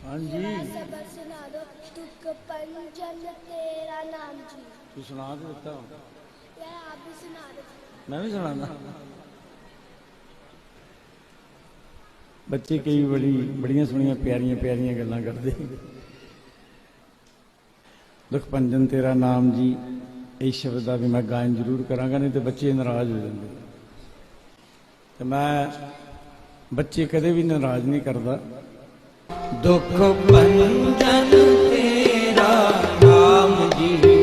हाँ जी सबक सुना दो। दुख पंजन तेरा नाम जी। तू सुना तो देता यार आप भी सुना दो। मैं भी सुनाना। बच्चे कई बड़ियां सोहनियां प्यारियां प्यारियां गल्लां करदे। दुख पंजन तेरा नाम जी, इस शब्द का भी मैं गायन जरूर करांगा, नहीं तो बच्चे नाराज हो जाते। तो मैं बच्चे कदे भी नाराज नहीं करता। दुख पंजन तेरा नाम जी।